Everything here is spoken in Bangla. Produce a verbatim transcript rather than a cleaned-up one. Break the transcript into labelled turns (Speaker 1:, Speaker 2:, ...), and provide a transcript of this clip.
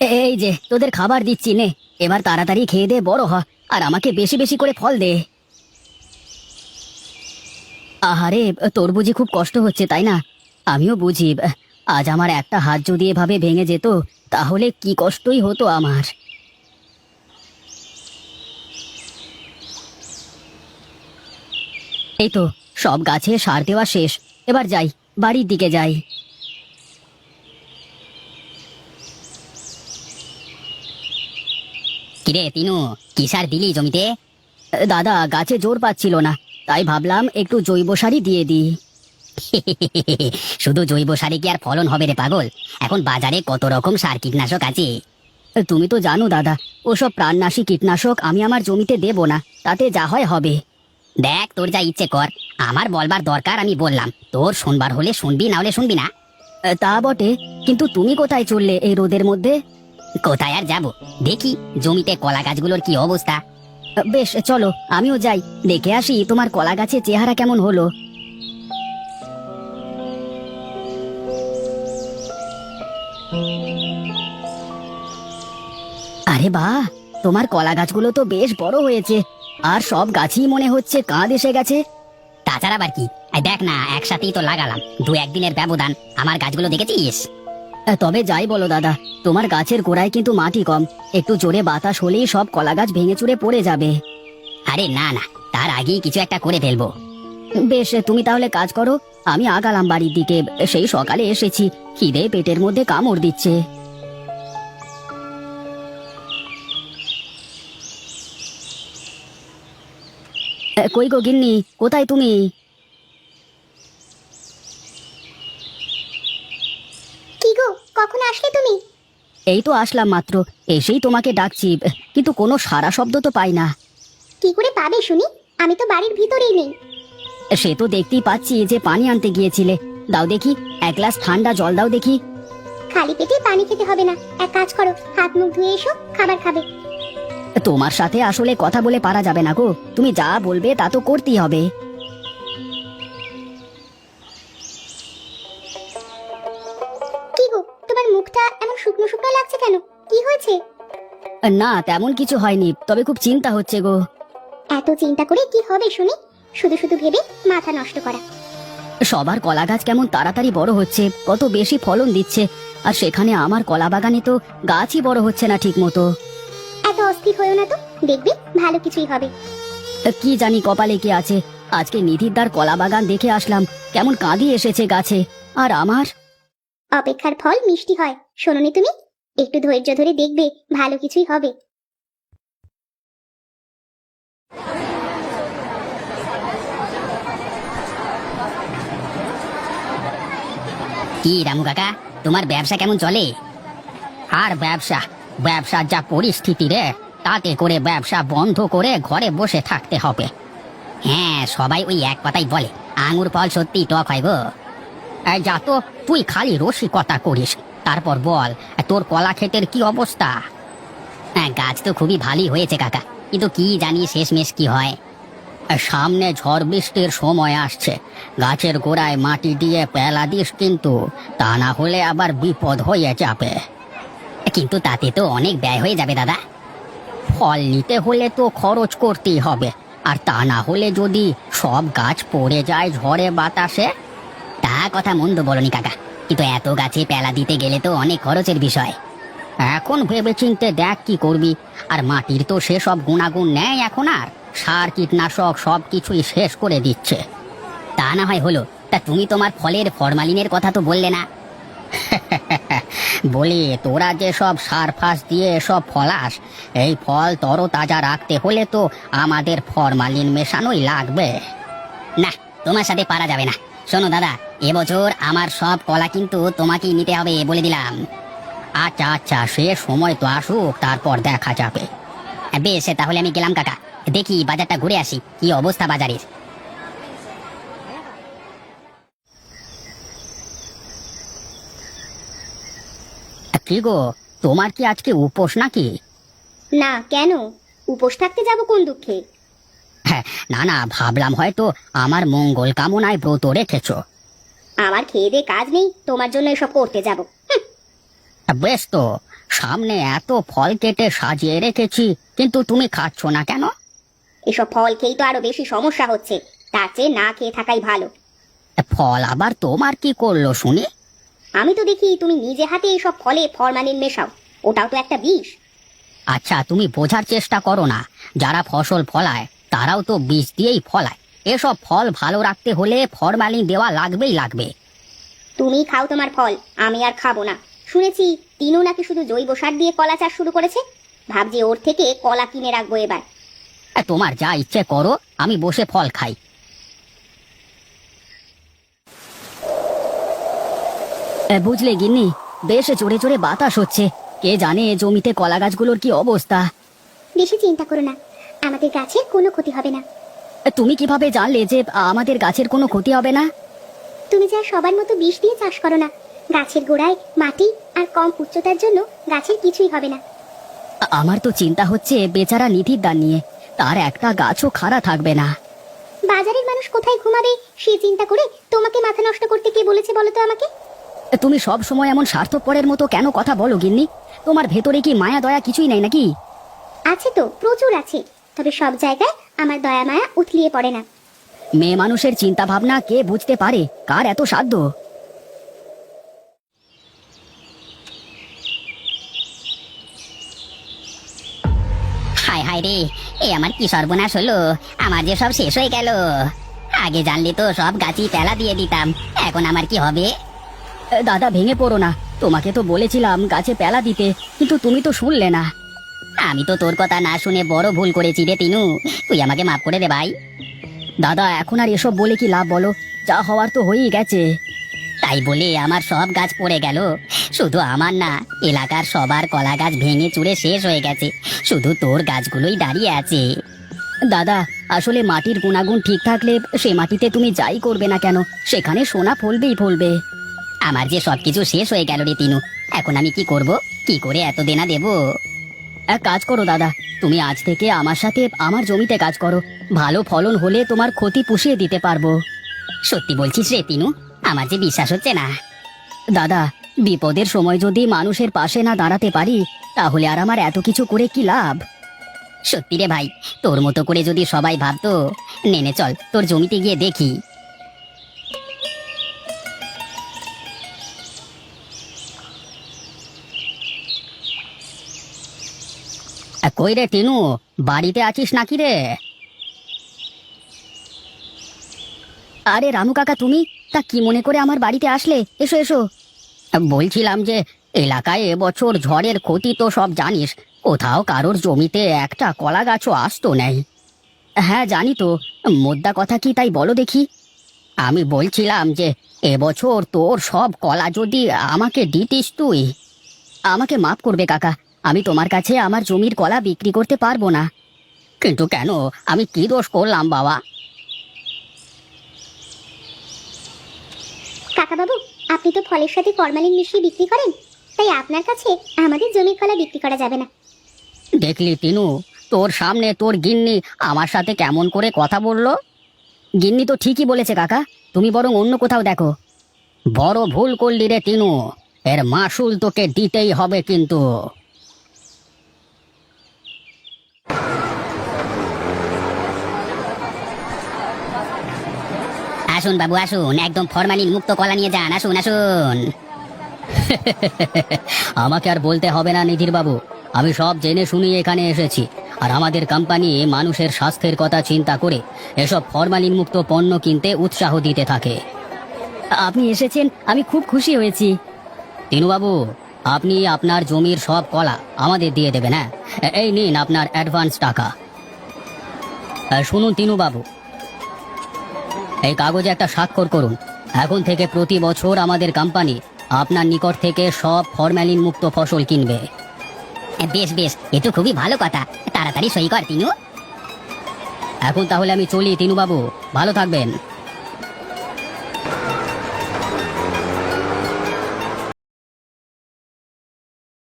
Speaker 1: এই যে তোদের খাবার দিচ্ছি নে, এবার তাড়াতাড়ি খেয়ে দে, বড় হ, আর আমাকে বেশি বেশি করে ফল দে। আহারে, তোর বুঝি খুব কষ্ট হচ্ছে তাই না? আমিও বুঝি। আজ আমার একটা হাত যদি এভাবে ভেঙে যেত তাহলে কি কষ্টই হতো আমার। এই তো সব গাছে সার দেওয়া শেষ, এবার যাই, বাড়ির দিকে যাই। কিরে তিনু, কি সার দিলি জমিতে? দাদা, গাছে জোর পাচ্ছিল না, তাই ভাবলাম একটু জৈব সারই দিয়ে দিই। শুধু জৈব সারে কি আর ফলন হবে রে পাগল? এখন বাজারে কত রকম সার কীটনাশক আছে। তুমি তো জানো দাদা, ওসব প্রাণনাশী কীটনাশক আমি আমার জমিতে দেব না, তাতে যা হয় হবে। দেখ, তোর যা ইচ্ছে কর, আমার বলবার দরকার আমি বললাম, তোর শুনবার হলে শুনবি, না হলে শুনবি না। তা বটে, কিন্তু তুমি কোথায় চললে এই রোদের মধ্যে? কোথায় আর যাব, দেখি জমিতে কলা গাছগুলোর কি অবস্থা। বেশ, চলো আমিও যাই, দেখে আসি তোমার কলা গাছের চেহারা কেমন হলো। আরে বাহ, তোমার কলা গাছগুলো তো বেশ বড় হয়েছে, আর সব গাছই মনে হচ্ছে কাঁধ এসে গেছে। তাছাড়া আবার কি, এই দেখ না, একসাথেই তো লাগালাম, দু একদিনের ব্যবধান, আমার গাছগুলো দেখেছিস? তবে যাই বলো দাদা, তোমার গাছের গোড়ায় কিন্তু মাটি কম, একটু জোরে বাতাস হলেই সব কলা গাছ ভেঙে চুরে পড়ে যাবে। আরে না না, তার আগেই কিছু একটা করে ফেলবো। বেশ, তুমি তাহলে কাজ করো, আমি আগালাম বাড়ির দিকে, সেই সকালে এসেছি, খিদে পেটের মধ্যে কামড় দিচ্ছে। কই গো গিন্নি, কোথায় তুমি?
Speaker 2: কি গো, কখন আসলে তুমি?
Speaker 1: এই তো আসলাম মাত্র, এসেই তোমাকে ডাকছি, কিন্তু কোনো সাড়া শব্দ তো পাই না।
Speaker 2: কি করে পাবে শুনি, আমি তো বাড়ির ভিতরেই নেই।
Speaker 1: সে তো দেখতেই পাচ্ছি যে পানি আনতে গিয়েছিলে, দাও দেখি, এক গ্লাস ঠান্ডা জল দাও দেখি।
Speaker 2: খালি পেটে পানি খেতে হবে না, এক কাজ করো, হাত মুখ ধুয়ে এসো, খাবার খাবে।
Speaker 1: তোমার সাথে আসলে কথা বলে পারা যাবে না গো, তুমি যা বলবে তা তো করতেই হবে।
Speaker 2: কি গো, তোমার মুখটা এমন শুকনো শুকনো লাগছে কেন, কি হয়েছে?
Speaker 1: না, তেমন কিছু হয়নি, তবে খুব চিন্তা হচ্ছে গো।
Speaker 2: এত চিন্তা করে কি হবে শুনি, শুধু শুধু ভেবে মাথা নষ্ট করা।
Speaker 1: সবার কলা গাছ কেমন তাড়াতাড়ি বড় হচ্ছে, কত বেশি ফলন দিচ্ছে, আর সেখানে আমার কলা বাগানে তো গাছই বড় হচ্ছে না ঠিক মতো।
Speaker 2: এত অস্থির হয়েও না তো, দেখবে ভালো কিছুই হবে।
Speaker 1: কি জানি কপালে কি আছে, আজকে নিধিরদার কলা বাগান দেখে আসলাম, কেমন কাঁদি এসেছে গাছে, আর আমার।
Speaker 2: অপেক্ষার ফল মিষ্টি হয়, শোনোনি তুমি? একটু ধৈর্য ধরে দেখবে ভালো কিছুই হবে।
Speaker 1: কি রামু কাকা, তোমার ব্যবসা কেমন চলে? আর ব্যবসা, ব্যবসার যা পরিস্থিতি রে, তাতে করে ব্যবসা বন্ধ করে ঘরে বসে থাকতে হবে। হ্যাঁ, সবাই ওই এক কথাই বলে, আঙুর ফল সত্যি টক হয় গো। এই যা তো, তুই খালি রসিকতা করিস, তারপর বল, তোর কলা ক্ষেতের কি অবস্থা? হ্যাঁ, গাছ তো খুবই ভালোই হয়েছে কাকা, কিন্তু কি জানি শেষমেশ কি হয়। সামনে ঝড় বৃষ্টির সময় আসছে, গাছের গোড়ায় মাটি দিয়ে পেলা দিস কিন্তু, তা না হলে আবার বিপদ হয়ে যাবে। কিন্তু তাতে তো অনেক ব্যয় হয়ে যাবে দাদা। ফল নিতে হলে তো খরচ করতেই হবে, আর তা না হলে যদি সব গাছ পড়ে যায় ঝড়ে বাতাসে। তা কথা মন্দ বলনি কাকা, কিন্তু এত গাছে পেলা দিতে গেলে তো অনেক খরচের বিষয়। এখন ভেবে চিনতে দেখ কি করবি, আর মাটির তো সেসব গুণাগুণ নেই এখন আর, সার কীটনাশক সব কিছুই শেষ করে দিচ্ছে। তা না হয় হলো, তা তুমি তোমার ফলের ফরমালিনের কথা তো বললে না। বলি, তোরা যে সব সার ফাস দিয়ে সব ফলাস, এই ফল তরতাজা রাখতে হলে তো আমাদের ফরমালিন মেশানোই লাগবে। না, তোমার সাথে পারা যাবে না। শোনো দাদা, এবছর আমার সব কলা কিন্তু তোমাকেই নিতে হবে বলে দিলাম। আচ্ছা আচ্ছা, সে সময় তো আসুক, তারপর দেখা যাবে। বেশ, তাহলে আমি গেলাম কাকা, দেখি বাজারটা ঘুরে আসি, কি অবস্থা বাজারের। কি গো, তোমার কি আজকে উপোস নাকি?
Speaker 2: না, কেন উপোস থাকতে যাব কোন দুঃখে?
Speaker 1: হ্যাঁ, না না, ভাবলাম হয়তো আমার মঙ্গল কামনায় ব্রত রেখেছো।
Speaker 2: আমার খেয়ে দে কাজ নেই, তোমার জন্য এসব করতে যাব?
Speaker 1: বেশ তো, সামনে এত ফল কেটে সাজিয়ে রেখেছি, কিন্তু তুমি খাচ্ছ না কেন?
Speaker 2: এসব ফল খেয়েই তো আরো বেশি সমস্যা হচ্ছে, তার চেয়ে না খেয়ে থাকাই ভালো।
Speaker 1: ফল আবার তোমার কি করলো শুনি?
Speaker 2: আমি তো দেখি তুমি নিজে হাতে এইসব ফলে ফরমালিন মেশাও, ওটাও তো একটা বিষ।
Speaker 1: আচ্ছা, তুমি বোঝার চেষ্টা করো না, যারা ফসল ফলায় তারাও তো বীজ দিয়েই ফলায়। এসব ফল ভালো রাখতে হলে ফরমালিন দেওয়া লাগবেই লাগবে।
Speaker 2: তুমি খাও তোমার ফল, আমি আর খাবো না। শুনেছি তিনু নাকি শুধু জৈব সার দিয়ে কলা চাষ শুরু করেছে, ভাবছি ওর থেকে কলা কিনে রাখবো এবার।
Speaker 1: আহ, তোমার যা ইচ্ছে করো, আমি বসে ফল খাই। বুঝলে গিন্নি, বেশ জোরে জোরে বাতাস হচ্ছে। কে জানে জমিতে কলা গাছগুলোর কি অবস্থা।
Speaker 2: বেশি চিন্তা করো না, আমাদের গাছের কোনো ক্ষতি হবে না।
Speaker 1: তুমি কিভাবে জানলে যে আমাদের গাছের কোনো ক্ষতি হবে না?
Speaker 2: তুমি যা সবার মতো বিষ দিয়ে চাষ করো না, গাছের গোড়ায় মাটি আর কম উচ্চতার জন্য গাছের কিছুই হবে না।
Speaker 1: আ- আমার তো চিন্তা হচ্ছে বেচারা নিধির দান নিয়ে, তার একটা গাছও খাড়া থাকবে না।
Speaker 2: বাজারের মানুষ কোথায় ঘুমাবে সে চিন্তা করে তোমাকে মাথা নষ্ট করতে কে বলেছে বলো তো আমাকে?
Speaker 1: তুমি সব সময় এমন স্বার্থপরের মতো কেন কথা বলো গিন্নি? তোমার ভেতরে কি মায়া দয়া কিছুই নেই নাকি?
Speaker 2: আছে তো, প্রচুর আছে, তবে সব জায়গায় আমার দয়া মায়া উথলিয়ে পড়ে না।
Speaker 1: মেয়ে মানুষের চিন্তা ভাবনা কে বুঝতে পারে? কার এত সাধ্য? হায় হায় রে, এ আমার কি সর্বনাশ হলো! আমার যে সব শেষ হয়ে গেল। আগে জানলে তো সব গাছই পেলা দিয়ে দিতাম, এখন আমার কি হবে? দাদা, ভেঙে পড়ো না, তোমাকে তো বলেছিলাম গাছে পেলা দিতে, কিন্তু তুমি তো শুনলে না। আমি তো তোর কথা না শুনে বড় ভুল করেছি রে তিনু, তুই আমাকে মাফ করে দে ভাই। দাদা, এখন আর এসব বলে কি লাভ বলো? যা হওয়ার তো হয়েই গেছে। তাই বলে আমার সব গাছ পড়ে গেল? শুধু আমার না, এলাকার সবার কলা গাছ ভেঙে চুরে শেষ হয়ে গেছে, শুধু তোর গাছগুলোই দাঁড়িয়ে আছে। দাদা, আসলে মাটির গুণাগুণ ঠিক থাকলে সে মাটিতে তুমি যাই করবে না কেন, সেখানে সোনা ফলবেই ফলবে। আমার যে সবকিছু শেষ হয়ে গেল রে তিনু, এখন আমি কি করব? কি করে এত দেনা দেব? এক কাজ করো দাদা, তুমি আজ থেকে আমার সাথে আমার জমিতে কাজ করো, ভালো ফলন হলে তোমার ক্ষতি পুষিয়ে দিতে পারবো। সত্যি বলছিস রে তিনু? আমার যে বিশ্বাস হচ্ছে না। দাদা, বিপদের সময় যদি মানুষের পাশে না দাঁড়াতে পারি, তাহলে আর আমার এত কিছু করে কি লাভ? সত্যি রে ভাই, তোর মতো করে যদি সবাই ভাবতো। নেনে চল, তোর জমিতে গিয়ে দেখি। আ, কই রে টিনু, বাড়িতে আছিস নাকি রে? আরে রানু কাকা, তুমি তা কি মনে করে আমার বাড়িতে আসলে? এসো এসো। বলছিলাম যে এলাকায় এবছর ঝড়ের ক্ষতি তো সব জানিস, কোথাও কারোর জমিতে একটা কলা গাছও আসতো নেই। হ্যাঁ জানি তো, মোদ্দা কথা কি তাই বলো দেখি। আমি বলছিলাম যে এবছর তোর সব কলা যদি আমাকে দিতিস তুই। আমাকে মাফ করবে কাকা, আমি তোমার কাছে আমার জমির কলা বিক্রি করতে পারবো না। কিন্তু কেন? আমি কি দোষ করলাম বাবা?
Speaker 2: কাকা বাবু, আপনি তো ফলের সাথে ফরমালিন মিশিয়ে বিক্রি করেন, তাই আপনার কাছে আমাদের জমির কলা বিক্রি করা যাবে না।
Speaker 1: দেখলি তিনু, তোর সামনে তোর গিন্নি আমার সাথে কেমন করে কথা বললো। গিন্নি তো ঠিকই বলেছে কাকা, তুমি বরং অন্য কোথাও দেখো। বড় ভুল করলি রে তিনু, এর মাসুল তোকে দিতেই হবে কিন্তু। আসুন বাবু আসুন, একদম ফরমালিন মুক্ত কলা নিয়ে যান, আসুন আসুন। আমাকে আর বলতে হবে না নিধির বাবু, আমি সব জেনে শুনে এখানে এসেছি, আর আমাদের কোম্পানি মানুষের স্বাস্থ্যের কথা চিন্তা করে এসব ফরমালিন মুক্ত পণ্য কিনতে উৎসাহ দিতে থাকে। আপনি এসেছেন, আমি খুব খুশি হয়েছি। তিনুবাবু, আপনি আপনার জমির সব কলা আমাদের দিয়ে দেবেন। হ্যাঁ, এই নিন আপনার অ্যাডভান্স টাকা। আহ, শুনুন তিনুবাবু, এই কাগজে একটা স্বাক্ষর করুন। এখন থেকে প্রতি বছর আমাদের কোম্পানি আপনার নিকট থেকে সব ফরমালিন মুক্ত ফসল কিনবে। বেশ বেশ, এ তো খুবই ভালো কথা, তাড়াতাড়ি সই কর তিনু। এখন তাহলে আমি চলি তিনুবাবু, ভালো থাকবেন।